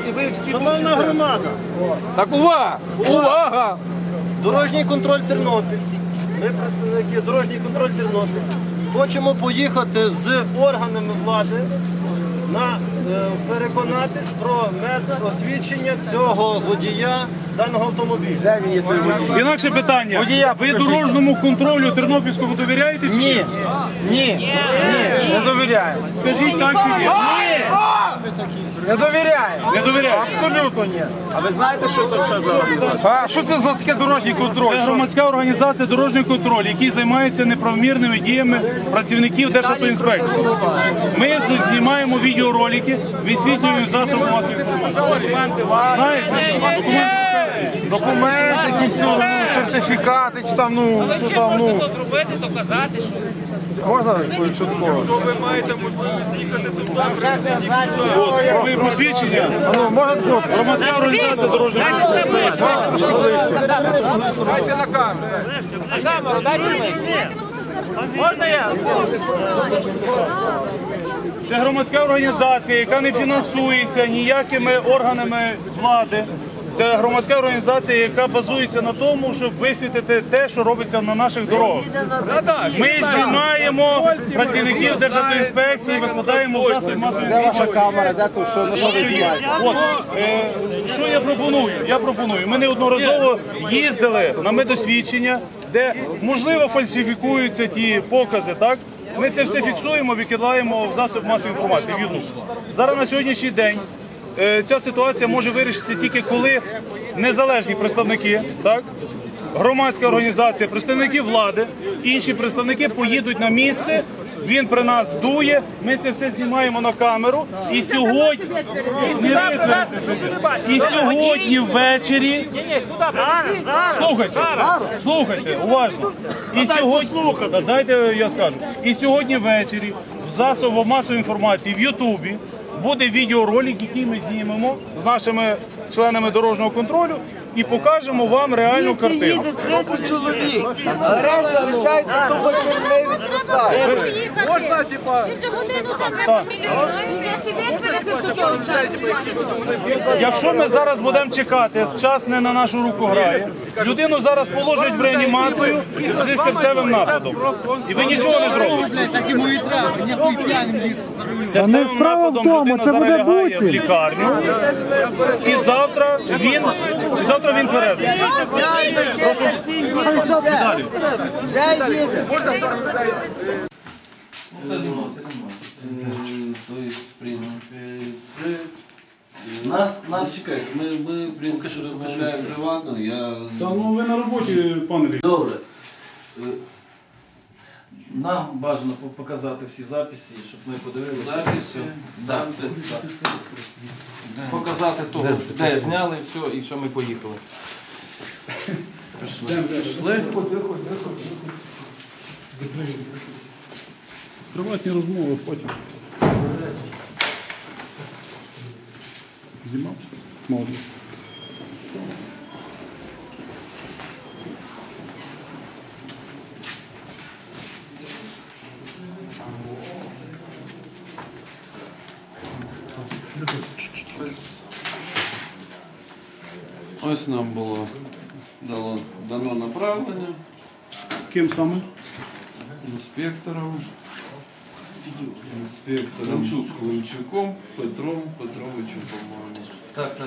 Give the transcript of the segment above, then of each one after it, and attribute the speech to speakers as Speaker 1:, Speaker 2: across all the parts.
Speaker 1: і ви всі...
Speaker 2: Шановна громада!
Speaker 3: Так увага! Увага!
Speaker 2: Дорожній контроль Тернопіль. Ми представники Дорожній контроль Тернопіль. Хочемо поїхати з органами влади переконатись про медосвідчення цього водія даного автомобіля. Де він є той водій?
Speaker 4: Інакше питання. Ви дорожньому контролю Тернопільському довіряєте?
Speaker 2: Ні. Ні. Не довіряємо.
Speaker 4: Скажіть так чи ні?
Speaker 2: Не довіряємо.
Speaker 4: Не довіряєте?
Speaker 2: Абсолютно ні. А ви знаєте, що це все за організація? А що це за таке дорожній контроль?
Speaker 4: Це громадська організація «Дорожній контроль», який займається неправомірними діями працівників Державтоінспекції. Ми знімаємо відеоролики, висвітлюємо засоби масової інформації. Знаєте?
Speaker 2: Документи, якісь сертифікати, чи там, що там,
Speaker 1: Можете то зробити, то казати, що...
Speaker 2: Можна, якщо такого?
Speaker 1: Ви маєте можливість їхати туди,
Speaker 4: Ви посвідчення?
Speaker 2: Можна такого?
Speaker 4: Громадська організація «Дорожній контроль».
Speaker 1: Дайте на камеру. На камеру, дайте ближче. Можна я?
Speaker 4: Це громадська організація, яка не фінансується ніякими органами влади. Це громадська організація, яка базується на тому, щоб висвітити те, що робиться на наших дорогах. Ми знімаємо працівників Державтоінспекції, викладаємо в засоби масової
Speaker 2: Де ваша камера? Де тут? Що ви знімаєте?
Speaker 4: Що я пропоную? Я пропоную. Ми неодноразово їздили на медосвідчення, де, можливо, фальсифікуються ті покази, так? Ми це все фіксуємо, викидаємо в засоб масової інформації, в YouTube. Зараз на сьогоднішній день ця ситуація може вирішитися тільки коли незалежні представники, так? Громадська організація, представники влади, інші представники поїдуть на місце, він при нас дує, ми це все знімаємо на камеру і сьогодні, ввечері, слухайте, уважно, і сьогодні, дайте я скажу, і сьогодні ввечері в засобах масової інформації в Ютубі буде відеоролик, який ми знімемо з нашими членами дорожнього контролю і покажемо вам реальну картину.
Speaker 5: Їде 30 чоловік, а решта лишається, тому що не відпускають.
Speaker 1: Можна, типа...
Speaker 6: Він же годину там не помілює, він вже світ вирізив до того часу.
Speaker 4: Якщо ми зараз будемо чекати, час не на нашу руку грає, людину зараз положать в реанімацію з серцевим нападом. І ви нічого не зробите. Серцевим нападом людина зараз лягає в лікарню, і завтра він тверезий. Прошу. Далі.
Speaker 7: То есть, в принципе, нас чекають. Ми в принципі, розмовляємо приватно.
Speaker 4: Та ну ви на роботі, пане Віктор.
Speaker 7: Добре. Нам бажано показати всі записи, щоб ми подивилися. Записи? Так. Показати того, де зняли, все, і все, ми поїхали. Пішли?
Speaker 4: Приватні розмови потім. Знімав? Молодець.
Speaker 7: Ось нам було дано направлення
Speaker 4: Ким саме?
Speaker 7: інспектором Климчуком Петром Петровичем, по-моєму. Так.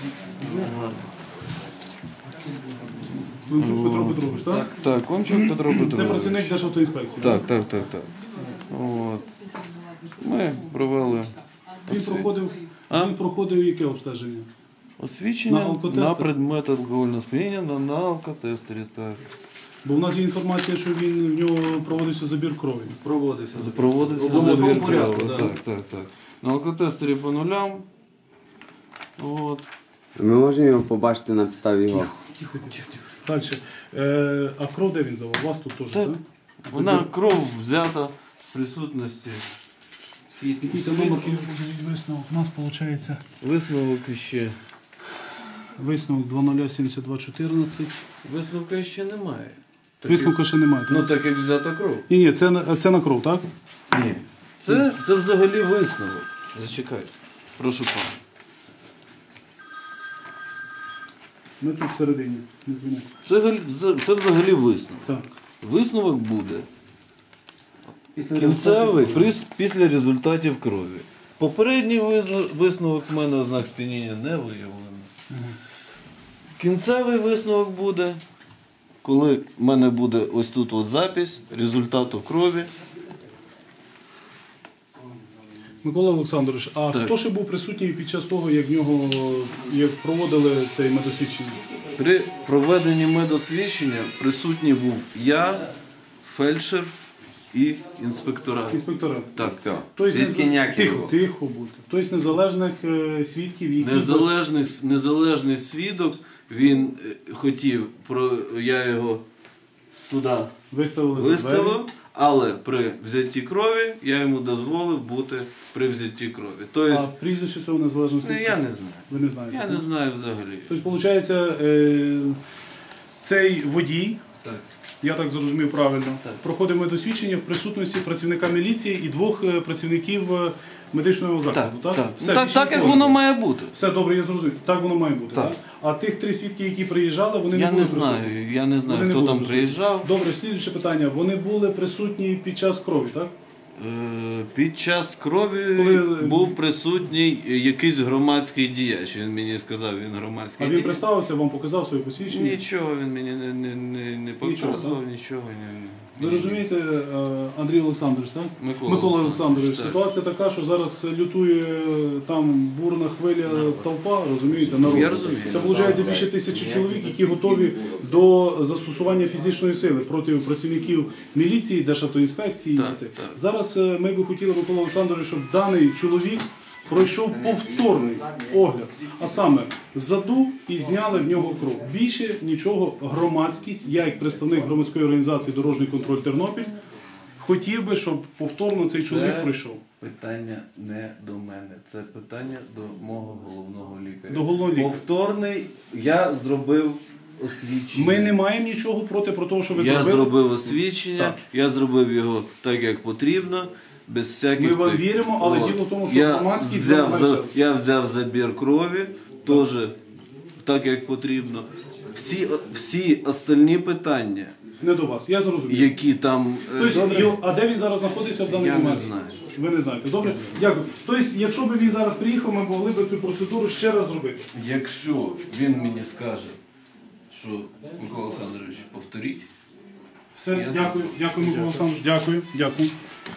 Speaker 4: Климчук Петро Петрович, так?
Speaker 7: Так, Климчук Петро Петрович.
Speaker 4: Це працівник Державтоінспекції.
Speaker 7: Так. От. Ми провели
Speaker 4: Він проходив яке обстеження?
Speaker 7: освідчення на предмет алкогольного сп'яніння на алкотестері. Так.
Speaker 4: Бо в нас є інформація, що в нього проводився забір крові.
Speaker 7: Проводився забір крові. Так. На алкотестері по нулям. От.
Speaker 8: Ми можемо його побачити на підставі його?
Speaker 4: Тихо. Далі. А кров де він здавав? У вас тут теж, так?
Speaker 7: Вона кров взята в присутності
Speaker 4: Який це номер висновок? У нас виходить
Speaker 7: висновок ще.
Speaker 4: висновок 007214.
Speaker 7: Висновка ще немає.
Speaker 4: Висновка ще немає.
Speaker 7: Ну так як взята кров.
Speaker 4: Ні, це на кров, так?
Speaker 7: Ні. Це взагалі висновок. Зачекай. Прошу пана.
Speaker 4: Ми тут всередині. Не дзвонимо.
Speaker 7: Це взагалі висновок.
Speaker 4: Так.
Speaker 7: Висновок буде кінцевий після результатів крові. Попередній висновок в мене ознак сп'яніння не виявлено. Кінцевий висновок буде, коли в мене буде ось тут от запис результату крові.
Speaker 4: Микола Олександрович, а хто ще був присутній під час того, як проводили цей медосвідчення?
Speaker 7: При проведенні медосвідчення присутній був я, фельдшер і інспектора.
Speaker 4: Інспектора.
Speaker 7: Так.
Speaker 8: Все.
Speaker 4: Тобто
Speaker 8: Свідки ніякі не було.
Speaker 4: Тихо бути. Тобто незалежних свідків, які...
Speaker 7: Незалежний свідок, він хотів, я його туди виставив, але при взятті крові я йому дозволив бути при взятті крові. Тобто,
Speaker 4: А прізвище цього незалежного свідка?
Speaker 7: я не знаю.
Speaker 4: Ви не знаєте?
Speaker 7: Я не знаю взагалі.
Speaker 4: Тобто, виходить, цей водій, я так зрозумів правильно, проходив медосвідчення в присутності працівника міліції і двох працівників медичного закладу, так? Все, більше
Speaker 7: Так, як
Speaker 4: нікого.
Speaker 7: воно має бути.
Speaker 4: Все добре, я зрозумів. Так воно має бути, так? А тих 3 свідки, які приїжджали, вони
Speaker 7: Я
Speaker 4: не були
Speaker 7: не знаю, я не знаю,
Speaker 4: Вони не
Speaker 7: хто
Speaker 4: були
Speaker 7: там
Speaker 4: присутні.
Speaker 7: приїжджав.
Speaker 4: Добре, слідуюче питання. Вони були присутні під час крові, так?
Speaker 7: Під час крові був присутній якийсь громадський діяч. Він мені сказав, він громадський
Speaker 4: А він
Speaker 7: діяч.
Speaker 4: представився, вам показав своє посвідчення?
Speaker 7: Нічого він мені не показував, нічого.
Speaker 4: Ви розумієте, Андрій Олександрович, так?
Speaker 7: Микола
Speaker 4: Олександрович,
Speaker 7: так.
Speaker 4: ситуація така, що зараз лютує там бурна хвиля толпа, розумієте, народ.
Speaker 7: Я розумію.
Speaker 4: Це, виходить, більше 1000 чоловік, які готові до застосування фізичної сили проти працівників міліції, Державтоінспекції.
Speaker 7: Так,
Speaker 4: Це.
Speaker 7: так.
Speaker 4: Зараз ми би хотіли, Микола Олександрович, щоб даний чоловік пройшов повторний огляд, а саме заду і зняли в нього кров. Більше нічого громадськість, я як представник громадської організації «Дорожній контроль Тернопіль», хотів би, щоб повторно цей чоловік пройшов.
Speaker 7: Питання не до мене, це питання до мого головного лікаря.
Speaker 4: До головного лікаря.
Speaker 7: Повторний, я зробив освідчення.
Speaker 4: Ми не маємо нічого проти про те, що ви
Speaker 7: Я
Speaker 4: зробили.
Speaker 7: зробив освідчення,
Speaker 4: Так.
Speaker 7: я зробив його так, як потрібно, без всяких
Speaker 4: Ми вам
Speaker 7: цих...
Speaker 4: віримо, але
Speaker 7: От.
Speaker 4: діло в тому, що громадськість
Speaker 7: Я взяв забір крові, теж так, як потрібно. Всі остальні питання,
Speaker 4: Не до вас, я зрозумів.
Speaker 7: які там...
Speaker 4: Тобто, а де він зараз знаходиться в даний
Speaker 7: Я не
Speaker 4: момент?
Speaker 7: знаю.
Speaker 4: Ви не знаєте. Добре? Дякую. Тобто, якщо б він зараз приїхав, ми могли б цю процедуру ще раз зробити.
Speaker 7: Якщо він мені скаже, що Микола Олександрович, повторіть,
Speaker 4: Все, дякую, дякую, Микола Олександрович, дякую.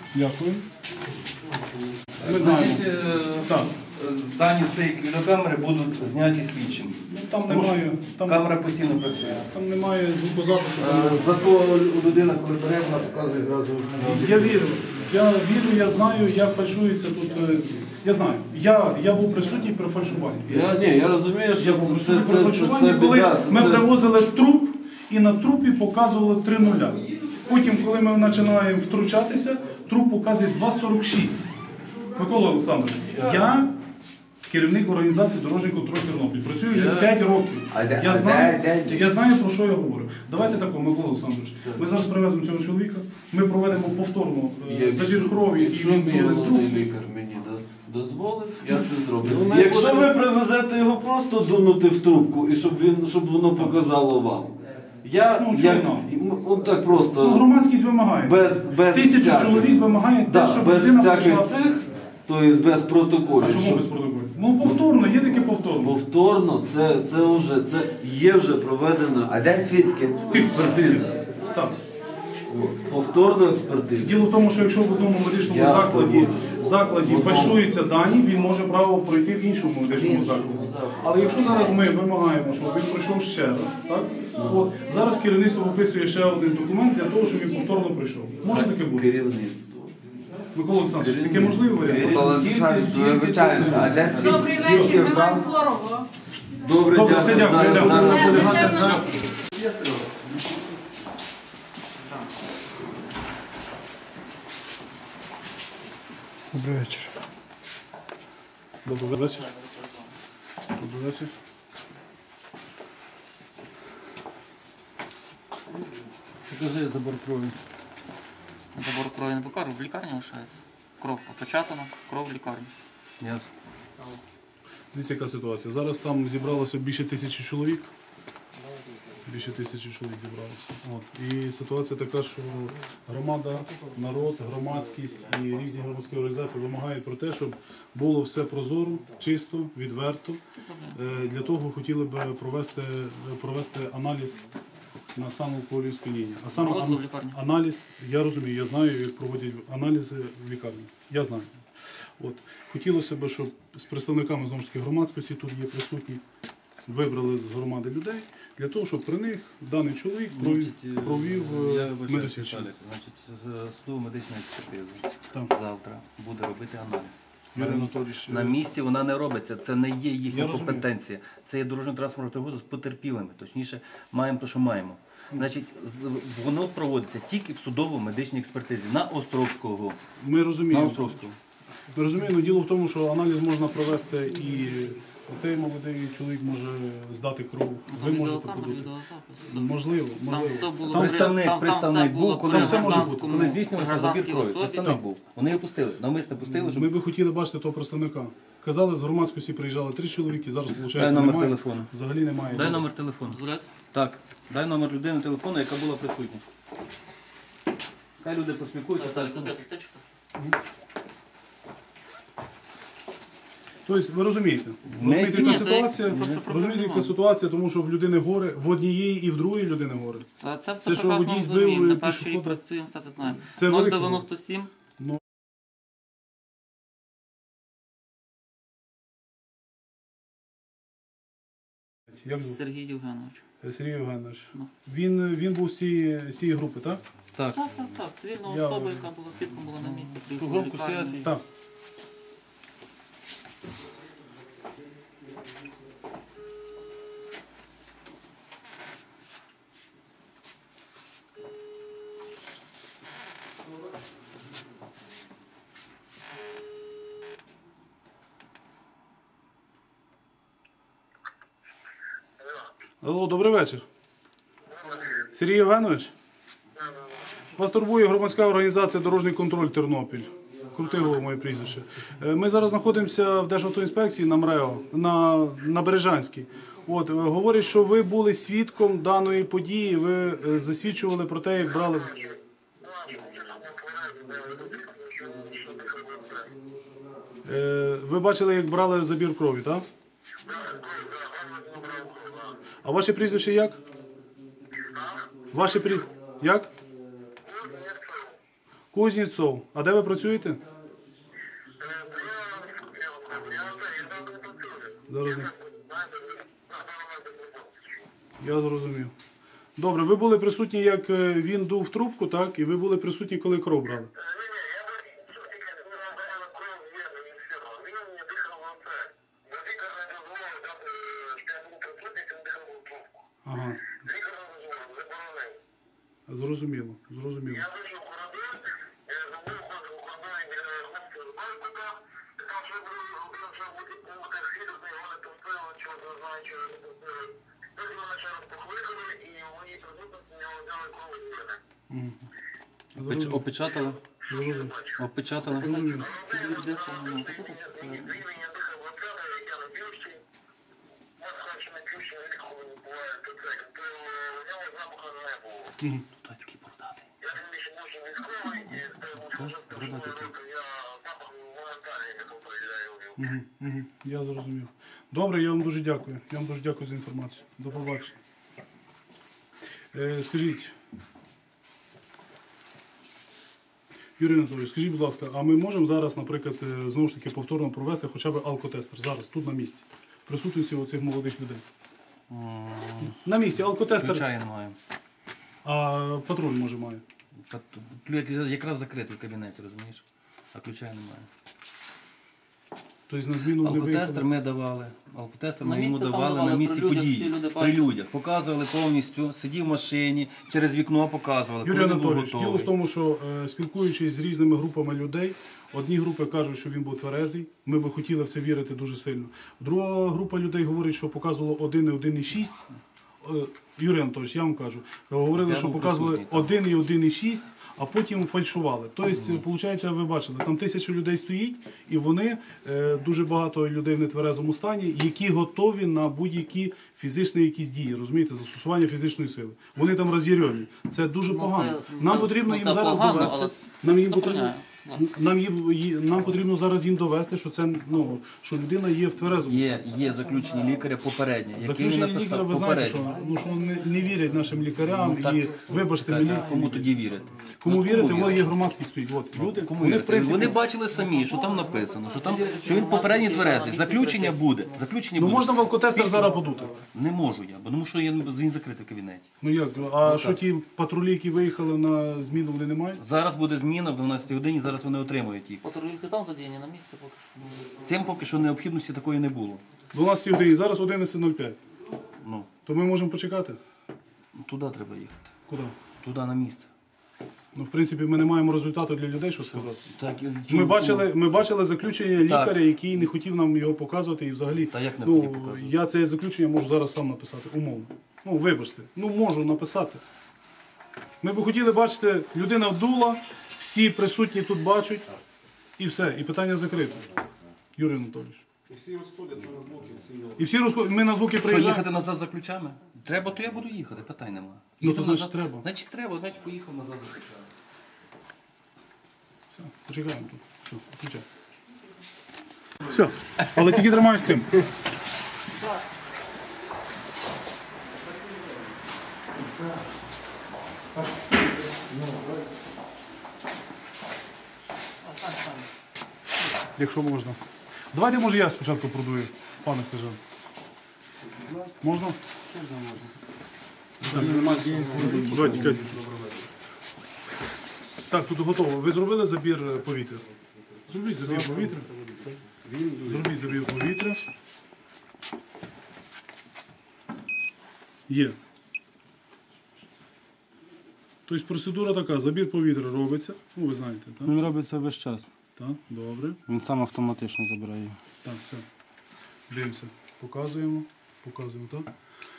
Speaker 4: Ми знаємо. Так.
Speaker 9: Дані з цієї відеокамери будуть зняті слідчим.
Speaker 4: Ну, там
Speaker 9: Тому що
Speaker 4: немає,
Speaker 9: камера постійно працює.
Speaker 4: там немає звукозапису.
Speaker 9: Зато людина, коли бере, вона показує зразу.
Speaker 4: Я вірю, я знаю, як фальшується тут. Я знаю. Я був присутній при фальшуванні.
Speaker 7: я розумію, що
Speaker 4: Я був
Speaker 7: це
Speaker 4: присутній при фальшуванні, коли
Speaker 7: біда.
Speaker 4: ми привозили труп і на трупі показували 3 нуля. Потім, коли ми починаємо втручатися, труп показує 2,46. Микола Олександрович, я керівник організації «Дорожній контроль Тернопіль». Працюю вже 5 років. Я знаю, про що я говорю. Давайте так, Микола Олександрович. Ми зараз привеземо цього чоловіка, ми проведемо повторно забір крові.
Speaker 7: Якщо мій головний лікар мені дозволить, я це зроблю. Якщо ви привезете його просто дунути в трубку, і щоб воно показало вам. Так просто.
Speaker 4: Громадськість вимагає.
Speaker 7: Без
Speaker 4: 1000 чоловік вимагає те, щоб
Speaker 7: без
Speaker 4: людина
Speaker 7: всяких
Speaker 4: прийшла.
Speaker 7: цих, тобто без протоколів.
Speaker 4: А чому без протоколів? Ну повторно, є таке повторно.
Speaker 7: Повторно, це є вже проведена
Speaker 5: А де свідки?
Speaker 7: експертиза.
Speaker 4: Так.
Speaker 7: Повторна експертиза.
Speaker 4: Діло в тому, що якщо в одному медичному закладі фальшуються дані, він може право пройти в іншому медичному закладі. Але якщо зараз ми вимагаємо, щоб він пройшов ще раз, так? От, зараз керівництво виписує ще один документ для того, щоб він повторно прийшов. Може таке бути?
Speaker 7: Керівництво.
Speaker 4: Микола Олександрович, таке можливо варіант?
Speaker 5: Микола Олександрович, вибачаємося, а де
Speaker 6: Добрий
Speaker 5: свідки
Speaker 6: вечір,
Speaker 5: вправ?
Speaker 6: Іван Хворого.
Speaker 7: Добре,
Speaker 4: Добре, все,
Speaker 7: дякую.
Speaker 4: дякую.
Speaker 7: Зараз буде
Speaker 6: Дешевно.
Speaker 4: Добрий вечір. Добрий вечір. Добрий вечір. Покажи забор крові.
Speaker 10: Забор крові не покажу, в лікарні лишається. Кров опечатана, кров в лікарні.
Speaker 4: Дивіться, яка ситуація. Зараз там зібралося більше 1000 чоловік.
Speaker 11: Більше 1000 чоловік зібралося. І ситуація така, що громада, народ, громадськість і різні громадські організації вимагають про те, щоб було все прозоро, чисто, відверто. Для того хотіли б провести аналіз на стан алкоголю сп'яніння. А саме аналіз, я розумію, я знаю, як проводять аналізи в лікарні. Я знаю. Хотілося б, щоб з представниками, знову ж таки, громадськості, тут є присутні, вибрали з громади людей, для того, щоб при них даний чоловік провів медосвідчення.
Speaker 9: Судово-медична експертиза
Speaker 11: Так.
Speaker 9: завтра буде робити аналіз.
Speaker 11: Юрій Анатолійович,
Speaker 9: На місці вона не робиться, це не є їхня компетенція. Це є дорожньо-транспортна пригода з потерпілими, точніше, маємо те, що маємо. Значить, воно проводиться тільки в судово-медичній експертизі на Островського.
Speaker 11: Ми розуміємо.
Speaker 9: На Островського.
Speaker 11: Ми розуміємо, діло в тому, що аналіз можна провести і оцей молодий чоловік може здати кров. Ви можете подати. Можливо.
Speaker 9: Представник був, коли
Speaker 11: все може бути.
Speaker 9: Коли здійснювався забір крові. Представник був. Вони його пустили, навмисно пустили, щоб...
Speaker 11: Ми би хотіли бачити того представника. Казали, з громадськості приїжджали 3 чоловіки, зараз, виходить,
Speaker 9: Дай номер
Speaker 11: немає.
Speaker 9: телефону.
Speaker 11: Взагалі немає.
Speaker 9: Дай номер телефону. Так, дай номер людини телефону, яка була присутня. Хай люди поспілкуються.
Speaker 11: Тобто, ви розумієте? Розумієте, яка ситуація, тому що в людини горе, в однієї і в другої людини горе.
Speaker 10: Це все прекрасно розуміємо, на перший рік працюємо, все це знаємо. 097. Сергій Євгенович.
Speaker 11: Сергій Євгенович. Він був з цієї групи, так?
Speaker 10: Так. Цивільна особа, яка була свідком, була на місці, приїхала в лікарню.
Speaker 11: Так. Алло, добрий вечір. Сергій Євгенович? Вас турбує громадська організація «Дорожній контроль Тернопіль». Крутигово моє прізвище. Ми зараз знаходимося в Державтоінспекції на МРЕО, на Бережанській. Говорять, що ви були свідком даної події, ви засвідчували про те, як брали... Ви бачили, як брали забір крові, так? А ваше прізвище як? Ваше прізвище як? Кузнєцов. А де ви працюєте? Я зрозумів. Добре, ви були присутні, як він дув трубку, так? І ви були присутні, коли кров брали? Ага. Зрозуміло.
Speaker 9: Опечатали? Опечатали. Той такий бородатий.
Speaker 11: Я зрозумів. Добре, я вам дуже дякую. Я вам дуже дякую за інформацію. До побачення. Скажіть, Юрій Анатолійович, скажіть, будь ласка, а ми можемо зараз, наприклад, знову ж таки повторно провести хоча б алкотестер? Зараз, тут на місці. Присутності оцих молодих людей. На місці, алкотестер.
Speaker 9: Ключа не маємо.
Speaker 11: А патруль, може, має?
Speaker 9: Якраз закритий в кабінеті, розумієш? А ключа немає.
Speaker 11: Тобто на зміну не виїхали?
Speaker 9: Алкотестер ми давали. Алкотестер ми йому давали на місці події. При людях. Показували повністю, сидів в машині, через вікно показували.
Speaker 11: Юрій Анатолійович, діло в тому, що спілкуючись з різними групами людей, одні групи кажуть, що він був тверезий, ми би хотіли в це вірити дуже сильно. Друга група людей говорить, що показувало 1,6, Юрій Анатолійович, я вам кажу, говорили, що показували 1 і 1,6, а потім фальшували. Тобто, виходить, ви бачили, там 1000 людей стоїть, і вони, дуже багато людей в нетверезому стані, які готові на будь-які фізичні якісь дії, розумієте, застосування фізичної сили. Вони там роз'ярені. Це дуже погано. Нам потрібно їм зараз довести. Нам потрібно зараз їм довести, що це, ну, що людина є в тверезому стані.
Speaker 9: Є заключення лікаря попереднє, який
Speaker 11: Заключення
Speaker 9: написав
Speaker 11: лікаря, ви знаєте, що не вірять нашим лікарям і, вибачте, міліції.
Speaker 9: Кому тоді вірити?
Speaker 11: Кому вірити, воно є громадський стоїть. От, люди, вони, в принципі,
Speaker 9: Вони бачили самі, що там написано, що він попередній тверезий. Заключення буде.
Speaker 11: Ну можна в алкотестер зараз подути?
Speaker 9: Не можу я, бо тому що він закритий в кабінеті.
Speaker 11: Ну як, а що ті патрулі, які виїхали на зміну, вони не мають?
Speaker 9: Зараз буде зміна в 12 годині, зараз вони отримують їх.
Speaker 10: Патрулівці там задіяні на місці поки що.
Speaker 9: Цим поки що необхідності такої не було.
Speaker 11: 12 годині, зараз 11:05.
Speaker 9: Ну,
Speaker 11: То ми можемо почекати?
Speaker 9: туди треба їхати.
Speaker 11: Куди?
Speaker 9: Туди на місце.
Speaker 11: Ну, в принципі, ми не маємо результату для людей, що сказати.
Speaker 9: Так,
Speaker 11: Ми бачили заключення лікаря, який не хотів нам його показувати і взагалі.
Speaker 9: Та як не хотів показувати?
Speaker 11: Я це заключення можу зараз сам написати, умовно. Ну, вибачте, можу написати. Ми б хотіли бачити, людина вдула, всі присутні тут бачать, і все, і питання закрите. Юрій Анатолійович.
Speaker 2: І всі розходяться на звуки,
Speaker 11: І всі розходяться, ми на звуки
Speaker 9: Що,
Speaker 11: приїжджаємо.
Speaker 9: їхати назад за ключами? Треба, то я буду їхати, питань нема.
Speaker 11: Ну,
Speaker 9: Їду
Speaker 11: то значить
Speaker 9: назад.
Speaker 11: треба.
Speaker 9: Значить треба, значить поїхав назад за ключами.
Speaker 11: Все, почекаємо тут. Все, включай. Все, але тільки тримаєш цим. Якщо можна. Давайте, може, я спочатку продую, пане сержант. Можна? Давайте, Катя. Так, тут готово. Ви зробили забір повітря? Зробіть забір повітря. Зробіть забір повітря. Є. Тобто процедура така, забір повітря робиться. Ну, ви знаєте, так?
Speaker 12: Він робиться весь час.
Speaker 11: Так, добре.
Speaker 12: Він сам автоматично забирає.
Speaker 11: Так, все. Дивимося. Показуємо. Показуємо, так?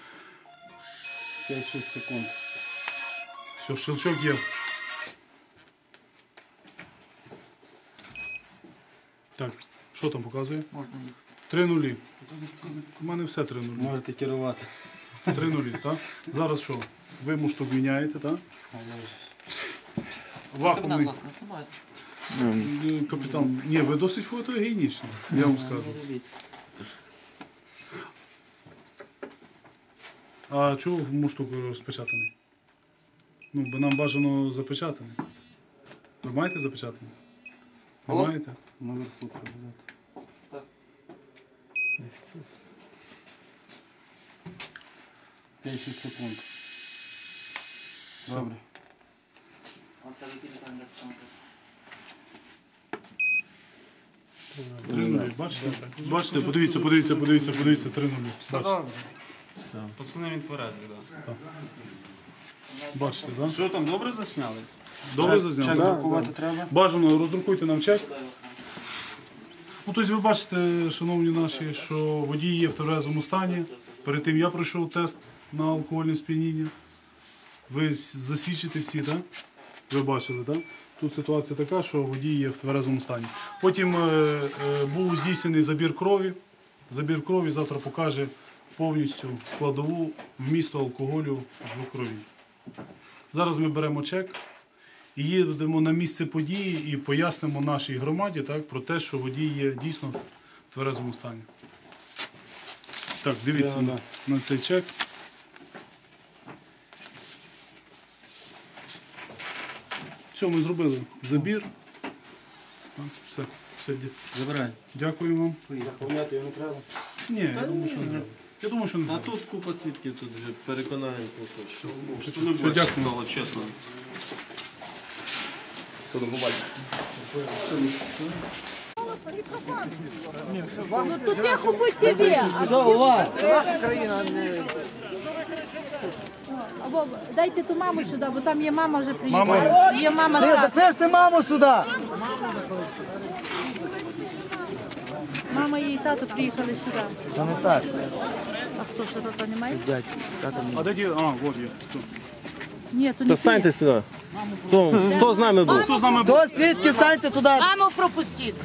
Speaker 12: 5-6 секунд.
Speaker 11: Все, щелчок є. Так, що там показує?
Speaker 10: Можна їхати.
Speaker 11: 3 нулі. У мене все 3 нулі.
Speaker 12: Можете керувати.
Speaker 11: 3 нулі, так? Зараз що? Ви муштук міняєте, так?
Speaker 10: Капітан, будь ласка, не знімайте.
Speaker 11: Капітан, ні, ви досить фотогенічні, я вам скажу. А чого муштук розпечатаний? Ну, бо нам бажано запечатаний. Ви маєте запечатаний? Ви маєте?
Speaker 12: Наверху треба взяти.
Speaker 10: Так.
Speaker 12: Дефіцит. 5-6 секунд. Добре.
Speaker 10: Оце ви капітан для саме.
Speaker 11: 3 нулі, бачите? Бачите, подивіться, 3 нулі. Бачите?
Speaker 2: Пацани, він тверезий, так.
Speaker 11: Бачите, так?
Speaker 2: Що там, добре засняли?
Speaker 11: Добре зазняли?
Speaker 2: Чек друкувати треба?
Speaker 11: Бажано, роздрукуйте нам чек. Ну, тобто ви бачите, шановні наші, що водій є в тверезому стані. Перед тим я пройшов тест на алкогольне сп'яніння. Ви засвідчите всі, так? Ви бачили, так? Тут ситуація така, що водій є в тверезому стані. Потім був здійснений забір крові. Забір крові завтра покаже повністю складову вмісту алкоголю в крові. Зараз ми беремо чек і їдемо на місце події і пояснимо нашій громаді, так, про те, що водій є дійсно в тверезому стані. Так, дивіться на цей чек. Все, ми зробили забір. Так, все.
Speaker 9: Забирай.
Speaker 11: Дякую вам.
Speaker 2: Заповняти його не треба?
Speaker 11: Ні, я думаю, що не треба. Я думаю, що не
Speaker 2: А
Speaker 11: треба.
Speaker 2: тут купа свідків, тут вже переконаємо.
Speaker 11: Все, дякую.
Speaker 2: Стало чесно. Все, до побачення.
Speaker 6: Ну тут тихо будь тебе.
Speaker 5: Наша країна не...
Speaker 6: Або дайте ту маму сюди, бо там є мама вже приїхала. Є мама
Speaker 5: Ти
Speaker 6: старша.
Speaker 5: заклеш ти маму сюди!
Speaker 6: Мама їй тато приїхали сюди.
Speaker 5: Та не так.
Speaker 6: А хто ще тата немає?
Speaker 5: Дядь, тата не
Speaker 4: А де ті? А, от є. Все.
Speaker 6: Ні, то не
Speaker 2: То станьте сюди. Хто з нами був?
Speaker 4: Хто з нами був?
Speaker 5: До свідки станьте туди.
Speaker 6: Маму пропустіть.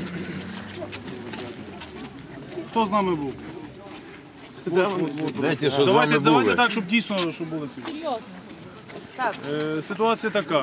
Speaker 4: Хто з нами був?
Speaker 3: Знаєте, що з
Speaker 4: Давайте,
Speaker 3: вами
Speaker 4: давайте
Speaker 3: були?
Speaker 4: так, щоб дійсно щоб були ці.
Speaker 6: Серйозно. Так.
Speaker 4: Ситуація така.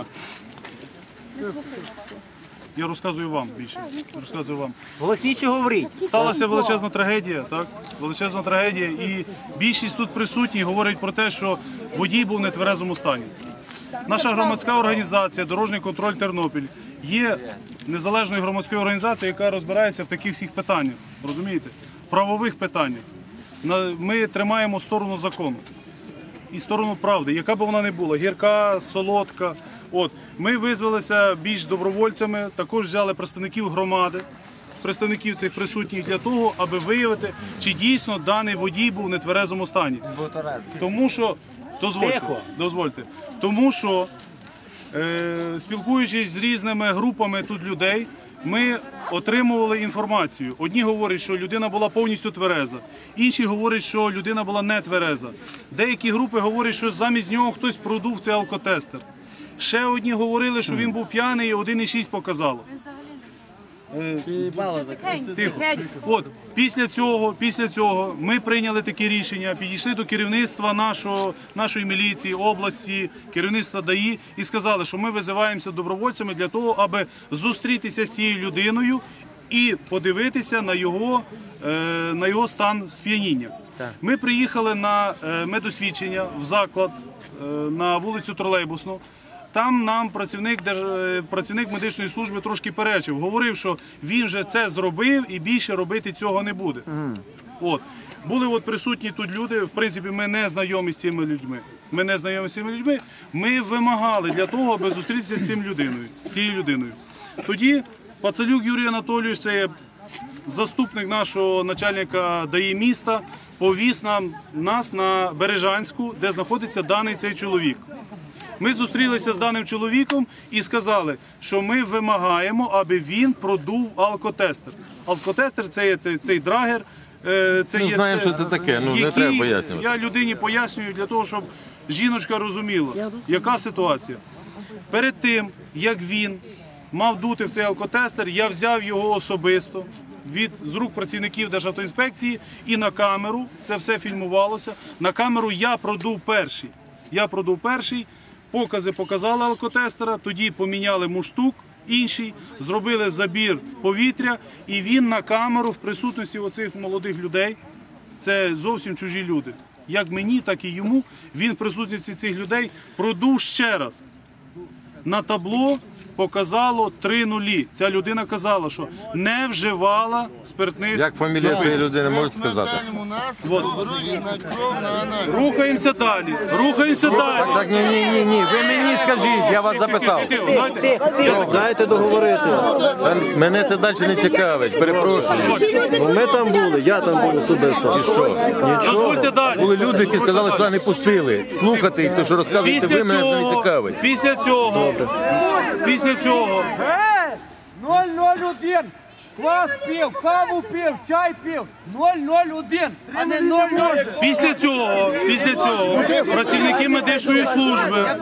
Speaker 4: Я розказую вам більше. Розказую вам.
Speaker 1: Голосніше говоріть.
Speaker 4: Сталася величезна трагедія, так? Величезна трагедія. І більшість тут присутніх говорить про те, що водій був в нетверезому стані. Наша громадська організація «Дорожній контроль Тернопіль» є незалежною громадською організацією, яка розбирається в таких всіх питаннях, розумієте? Правових питаннях. Ми тримаємо сторону закону і сторону правди, яка б вона не була, гірка, солодка. От. Ми визвалися більш добровольцями, також взяли представників громади, представників цих присутніх для того, аби виявити, чи дійсно даний водій був в нетверезому стані. Тому що, дозвольте, тому що, спілкуючись з різними групами тут людей, ми отримували інформацію. Одні говорять, що людина була повністю твереза, інші говорять, що людина була не твереза. Деякі групи говорять, що замість нього хтось продув цей алкотестер. Ще одні говорили, що він був п'яний і 1,6 показало. Тихо. От, після цього ми прийняли таке рішення, підійшли до керівництва нашої міліції, області, керівництва ДАІ і сказали, що ми визиваємося добровольцями для того, аби зустрітися з цією людиною і подивитися на його стан сп'яніння. Ми приїхали на медосвідчення в заклад на вулицю Тролейбусну. Там нам працівник медичної служби трошки перечив, говорив, що він вже це зробив і більше робити цього не буде. От. Були присутні тут люди, в принципі, ми не знайомі з цими людьми. Ми вимагали для того, аби зустрітися з цією людиною. Тоді Пацалюк Юрій Анатолійович, це є заступник нашого начальника ДАІ міста, повіз нас на Бережанську, де знаходиться даний цей чоловік. Ми зустрілися з даним чоловіком і сказали, що ми вимагаємо, аби він продув алкотестер. Алкотестер – це є цей драгер.
Speaker 3: Знаємо, що це таке, не треба пояснювати.
Speaker 4: Я людині пояснюю для того, щоб жіночка розуміла, яка ситуація. Перед тим, як він мав дути в цей алкотестер, я взяв його особисто з рук працівників Державтоінспекції і на камеру, це все фільмувалося, на камеру я продув перший. Покази показали алкотестера, тоді поміняли муштук інший, зробили забір повітря, і він на камеру в присутності оцих молодих людей, це зовсім чужі люди, як мені, так і йому, він в присутності цих людей продув ще раз. На табло показало 3 нулі. Ця людина казала, що не вживала спиртних.
Speaker 3: Як фамілія цієї людини, можете сказати?
Speaker 4: Рухаємося далі.
Speaker 3: Так, ні, ви мені скажіть, я вас запитав.
Speaker 2: Дайте договорити.
Speaker 3: Мене це далі не цікавить, перепрошую.
Speaker 2: Ми там були, я там був особисто.
Speaker 3: І що?
Speaker 4: Дозвольте далі.
Speaker 3: Були люди, які сказали, що не пустили. Слухати, то що розказуєте ви, мене це не цікавить.
Speaker 4: Після цього
Speaker 1: 001. Квас пив, каву пив, чай пив. 001, а не 00.
Speaker 4: Після цього працівники медичної служби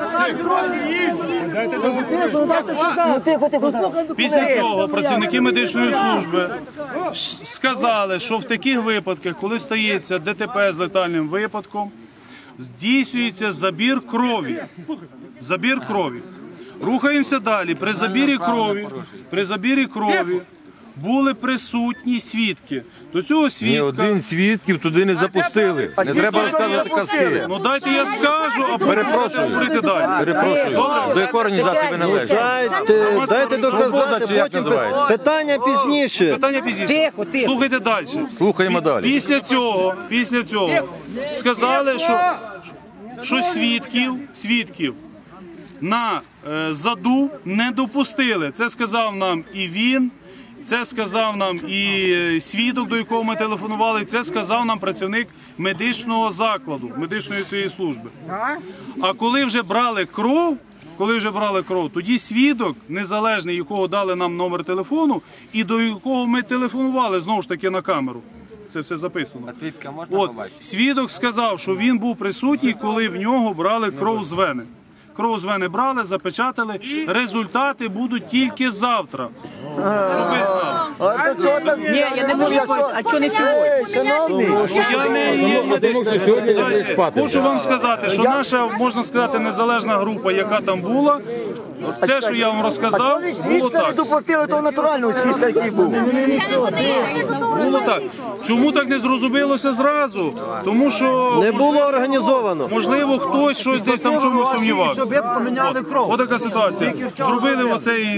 Speaker 4: сказали, що в таких випадках, коли стається ДТП з летальним випадком, здійснюється забір крові. Рухаємося далі. При забірі крові були присутні свідки. До цього свідка...
Speaker 3: Ні один свідків туди не запустили. Не треба розказувати казки.
Speaker 4: Ну дайте я скажу, а потім говорити далі.
Speaker 3: Перепрошую. До якої організації ви належите?
Speaker 2: Дайте доказати,
Speaker 3: чи як називається?
Speaker 2: Питання пізніше.
Speaker 1: Тихо.
Speaker 4: Слухайте далі.
Speaker 3: Слухаємо далі.
Speaker 4: Після цього сказали, що свідків на заду не допустили. Це сказав нам і він, це сказав нам і свідок, до якого ми телефонували, це сказав нам працівник медичного закладу, медичної цієї служби. А коли вже брали кров, тоді свідок, незалежний, якого дали нам номер телефону, і до якого ми телефонували, знову ж таки, на камеру, це все записано.
Speaker 5: А свідка можна
Speaker 4: От,
Speaker 5: побачити?
Speaker 4: свідок сказав, що він був присутній, коли в нього брали кров з вени. Кров з вени брали, запечатали. Результати будуть тільки завтра. Щоб ви знали.
Speaker 5: Ні, я не можу. А чого не сьогодні?
Speaker 4: Я не є медичним. Далі, хочу вам сказати, що наша, можна сказати, незалежна група, яка там була, це, що я вам розказав, було так.
Speaker 5: Допустили того натурального свідка, який був.
Speaker 4: Було так. Чому так не зрозумілося зразу? Тому що
Speaker 2: Не було організовано.
Speaker 4: можливо хтось щось десь там в чомусь сумнівався.
Speaker 2: Щоб поміняли кров.
Speaker 4: Ось така ситуація. Зробили оцей,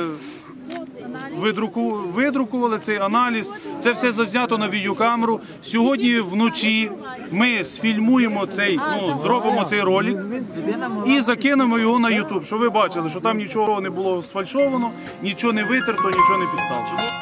Speaker 4: видрукували цей аналіз. Це все зазнято на відеокамеру. Сьогодні вночі ми сфільмуємо цей, зробимо цей ролик і закинемо його на YouTube, щоб ви бачили, що там нічого не було сфальшовано, нічого не витерто, нічого не підставлено.